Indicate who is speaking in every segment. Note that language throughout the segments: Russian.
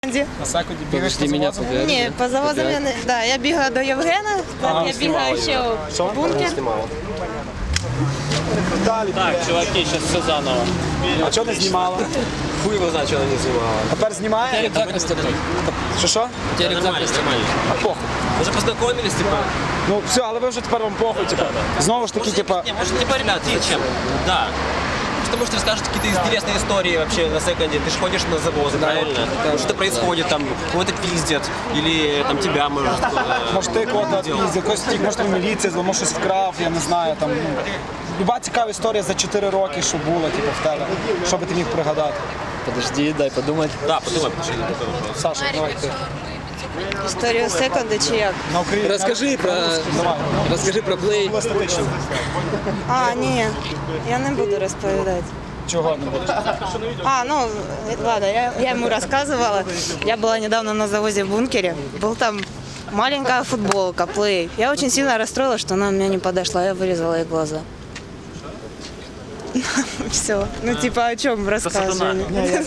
Speaker 1: На секунді бігаєш по
Speaker 2: меня
Speaker 1: завозам?
Speaker 2: пугает.
Speaker 3: Ні, по завозам я не. Да, я бігала до Євгена, так я бігаю ще в бункер.
Speaker 1: Далі.
Speaker 2: Так, чуваки, сейчас все заново.
Speaker 1: А чого не знімала?
Speaker 4: Хуй его знает, что она не снимала.
Speaker 1: Тепер знімає?
Speaker 2: Рюкзак растянуть.
Speaker 1: Що?
Speaker 2: Тебе рюкзак растянуть.
Speaker 1: А похуй.
Speaker 4: Уже познакомились, типа?
Speaker 1: Ну все, але ви вже тепер вам похуй, типа. Знову ж таки, типа.
Speaker 4: Не, может, типа, ребят, зачем? Да. Потому что расскажешь какие-то интересные истории вообще на секунде. Ты же ходишь на завозы, правильно? Что происходит, там, кого-то пиздят, или там тебя, может,
Speaker 1: Може ти кого-то піздив, когось втік, може ти в міліції, може щось вкрав, я не знаю, там. Люба цікава історія за 4 роки, що була, типу, в тебе. Що би ти міг пригадати?
Speaker 2: Подожди, дай подумать.
Speaker 4: Да, подумай, потому что
Speaker 1: Саша, давай ти.
Speaker 3: Історію секунди чи як?
Speaker 1: На Україні.
Speaker 2: Расскажи про...
Speaker 1: Давай.
Speaker 2: Расскажи про плей.
Speaker 1: Була статично.
Speaker 3: А, ні, я не буду розповідати.
Speaker 1: Чого не будеш?
Speaker 3: А, ну, ладно, я ему рассказывала. Я была недавно на завозе в бункере. Был там маленькая футболка, плей. Я очень сильно расстроилась, что она у меня не подошла. Я вырезала ей глаза. Все. Ну, типа, о чем рассказывали?
Speaker 1: Знаєш,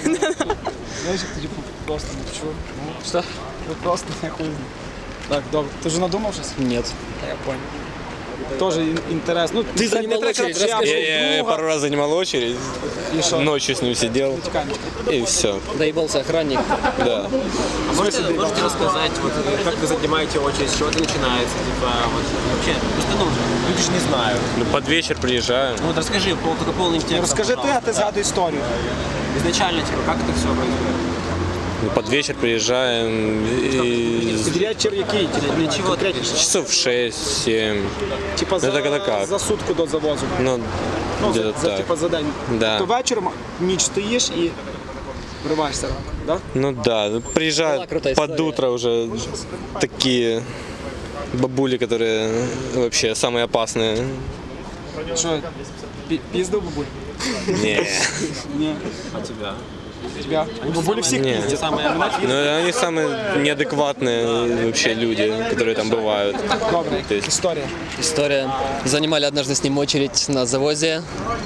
Speaker 1: як тоді просто не чув.
Speaker 2: Что?
Speaker 1: Ви просто не хуй. Так, добре. Ти вже надумав щось?
Speaker 2: Нет.
Speaker 1: Я понял. Тоже интересно. Ну,
Speaker 2: Ты занимал очередь, расскажи.
Speaker 5: Я пару раз занимал очередь,
Speaker 1: И что?
Speaker 5: ночью с ним сидел, и все.
Speaker 2: Доебался охранник.
Speaker 5: Да.
Speaker 4: А можете рассказать, вот, как вы занимаете очередь, с чего это начинается? Типа, вот, вообще, просто, ну, люди же не знают.
Speaker 5: Ну, под вечер приезжаем.
Speaker 4: Ну, вот расскажи, только полным текстом,
Speaker 1: Розкажи ти, а
Speaker 4: пожалуйста.
Speaker 1: ти згадуй історію.
Speaker 4: Изначально, типа, как это все происходит?
Speaker 5: Ну, под вечер приезжаем, и
Speaker 1: Вечір який? Типу,
Speaker 4: Для чего ты
Speaker 5: часов 6-7.
Speaker 1: Типа за,
Speaker 5: Ну, так, это как?
Speaker 1: за сутку до завозу.
Speaker 5: Ну,
Speaker 1: Ну,
Speaker 5: где-то
Speaker 1: за,
Speaker 5: так.
Speaker 1: типа, за день.
Speaker 5: Да.
Speaker 1: То вечором ніч стоїш і вриваєшся, да?
Speaker 5: Ну да, ну,
Speaker 2: Была
Speaker 5: приезжают
Speaker 2: крутая
Speaker 5: под
Speaker 2: история.
Speaker 5: утро уже такие бабули, которые вообще самые опасные.
Speaker 1: Що, піздив бабуль?
Speaker 5: Не.
Speaker 1: Ні.
Speaker 4: А тебя?
Speaker 1: Тебя? Бабулі всіх
Speaker 5: Ні.
Speaker 1: піздять.
Speaker 5: Ну, они самые неадекватные вообще люди, которые там бывают.
Speaker 1: Добре,
Speaker 5: То есть-
Speaker 1: історія.
Speaker 2: История. Занимали однажды с ним очередь на завозе.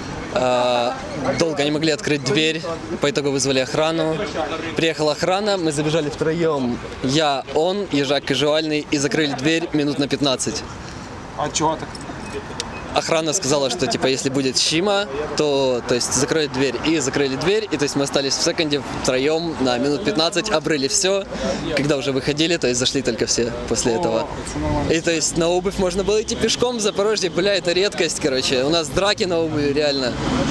Speaker 2: Долго не могли открыть дверь, по итогу вызвали охрану. Приехала охрана, мы забежали втроем. Я, он, ежак Кажуальный, и закрыли дверь минут на 15.
Speaker 1: А чого так?
Speaker 2: Охрана сказала, что типа если будет щима, то есть закроют дверь. И закрыли дверь, и то есть мы остались в секунде втроем на минут 15, обрыли все. Когда уже выходили, то есть зашли только все после этого.
Speaker 1: Це нормально.
Speaker 2: И то есть на обувь можно было идти пешком в Запорожье, бля, это редкость, короче. У нас драки на обуви, реально.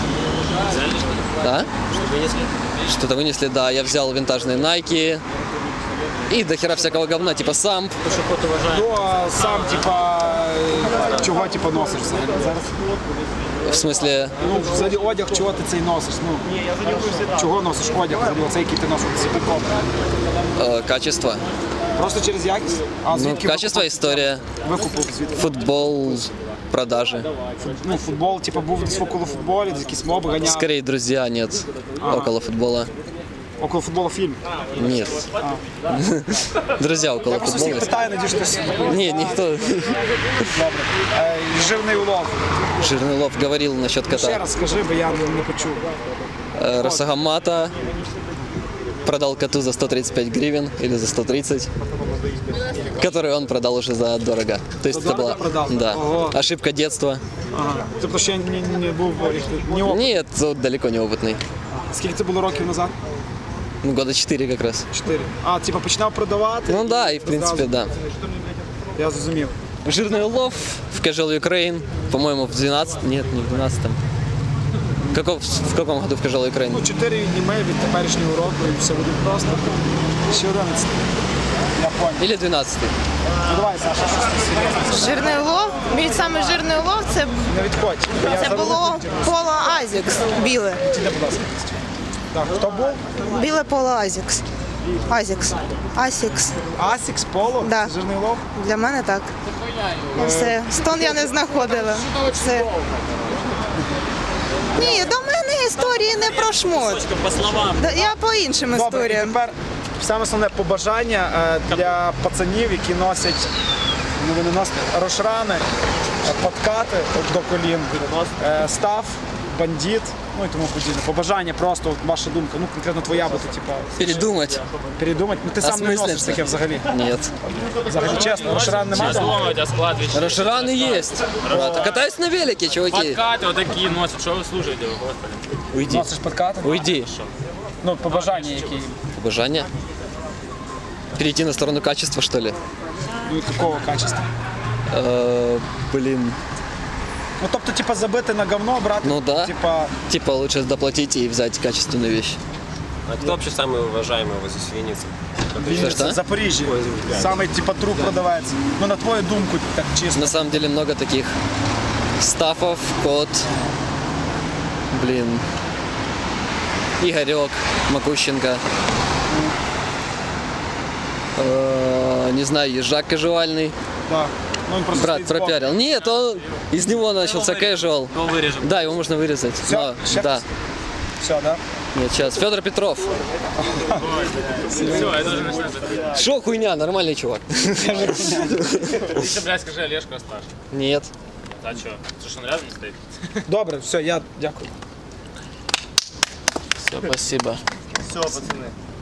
Speaker 2: Да? Что-то вынесли, да. Я взял винтажные Nike и до хера всякого говна, типа самп.
Speaker 1: Ну, а сам, типа, чого, типа, носиш взагалі зараз?
Speaker 2: В смысле,
Speaker 1: Ну, взагалі одяг, чого ти цей носиш? Ну, чого носиш одяг, взагалі, оцей, який ти носиш з прикол?
Speaker 2: качество.
Speaker 1: Просто через якість? А
Speaker 2: Ну,
Speaker 1: звідки
Speaker 2: качество, история,
Speaker 1: викупив звідки?
Speaker 2: футбол, продажи.
Speaker 1: Ну, футбол, типу, був десь около футболі, десь якісь моби ганяв.
Speaker 2: Скорее, друзья, нет. Около футбола.
Speaker 1: Около футболу фільм.
Speaker 2: Нет. Друзья около
Speaker 1: Я просто всіх
Speaker 2: футбола.
Speaker 1: питаю, надіюсь, щось.
Speaker 2: Не, никто.
Speaker 1: Добре. Жирний улов.
Speaker 2: Жирный лов говорил насчет
Speaker 1: Ще
Speaker 2: кота.
Speaker 1: раз скажи, бо я не почув.
Speaker 2: Росагамата продал коту за 135 гривен или за 130, который он продал уже за дорого. То есть
Speaker 1: За
Speaker 2: это
Speaker 1: дорого
Speaker 2: была
Speaker 1: продал?
Speaker 2: да,
Speaker 1: Ого.
Speaker 2: ошибка детства.
Speaker 1: Ага. Тобто ще не був ні опит.
Speaker 2: Нет, он далеко не опытный.
Speaker 1: Скільки це було років назад?
Speaker 2: Ну, года 4 как раз.
Speaker 1: 4. А, типу, починав продавати?
Speaker 2: Ну да, и в принципе, да.
Speaker 1: Я зрозумів.
Speaker 2: Жирный улов в Casual Ukraine, по-моему, в 12, нет, не в 12-м. В каком году в Casual Ukraine?
Speaker 1: Ну, 4 відніме від теперішнього року і все буде просто. Ще 11. Я понял.
Speaker 2: Или 12-й.
Speaker 1: Ну давай, Саша, щось ти серйозне.
Speaker 3: Жирний улов. Мій самий жирний улов це,
Speaker 1: Не відходь.
Speaker 3: це було поло Азікс біле.
Speaker 1: Іди, будь ласка. Так, хто був?
Speaker 3: Біле поло Азікс. Азікс. Асікс.
Speaker 1: Асікс, Поло?
Speaker 3: Да.
Speaker 1: Жирний лов?
Speaker 3: Для мене так. І все. Стон я не знаходила. Все. Ні, до мене історії не про шмот.
Speaker 2: По словам.
Speaker 3: Я по іншим
Speaker 1: Добре, і
Speaker 3: історіям.
Speaker 1: тепер саме основне побажання для пацанів, які носять, ну вони носять рошрани, подкати до колін, став бандит, ну і тому подібне. Побажання просто, от ваша думка, ну конкретно твоя, бо ти типа
Speaker 2: Передумать?
Speaker 1: передумати. Ну ти сам не носиш таке взагалі.
Speaker 2: Нет.
Speaker 1: Взагалі чесно, Рошран немає.
Speaker 6: Дома у тебя склад вещей.
Speaker 2: Рошраны есть. Брат, катаюсь на велике, чуваки.
Speaker 6: Подкаты вот такие носят. Что вы слушаете, вы, господи?
Speaker 2: Уйди.
Speaker 1: Носиш подкати?
Speaker 2: Уйди.
Speaker 1: Ну, побажання які.
Speaker 2: Побажання? Перейти на сторону качества, что ли?
Speaker 1: Ну, якого качества?
Speaker 2: Блин.
Speaker 1: Ну, тобто, типа, забити на говно, брати,
Speaker 2: Ну да.
Speaker 1: типа,
Speaker 2: Типа лучше доплатить и взять качественную вещь.
Speaker 4: А кто вообще самый уважаемый возле Винницы?
Speaker 1: Вінниця,
Speaker 2: Що?
Speaker 1: Запоріжжя. Самий, типа, труп продавається. Ну, на твою думку, так чисто.
Speaker 2: На самом деле много таких стафов, Кот, блин, Игорек, Макущенко, не знаю, Ежак кажуальный.
Speaker 1: Да. Ну, він просто
Speaker 2: Брат
Speaker 1: стоїть збоку.
Speaker 2: пропиарил. Нет, он, из него начался casual.
Speaker 6: Его вырежем.
Speaker 2: Да, его можно вырезать.
Speaker 1: Все,
Speaker 2: Но, да.
Speaker 1: Все, да?
Speaker 2: Нет, сейчас. Федор Петров.
Speaker 6: Все, это уже начинает быть.
Speaker 2: Шо хуйня, нормальный чувак.
Speaker 6: Ты, блядь, скажи, Олежка старше.
Speaker 2: Нет.
Speaker 6: А что? Слушай, он рядом стоит?
Speaker 1: Добре, все, я дякую.
Speaker 2: Все, спасибо.
Speaker 7: Все, пацаны.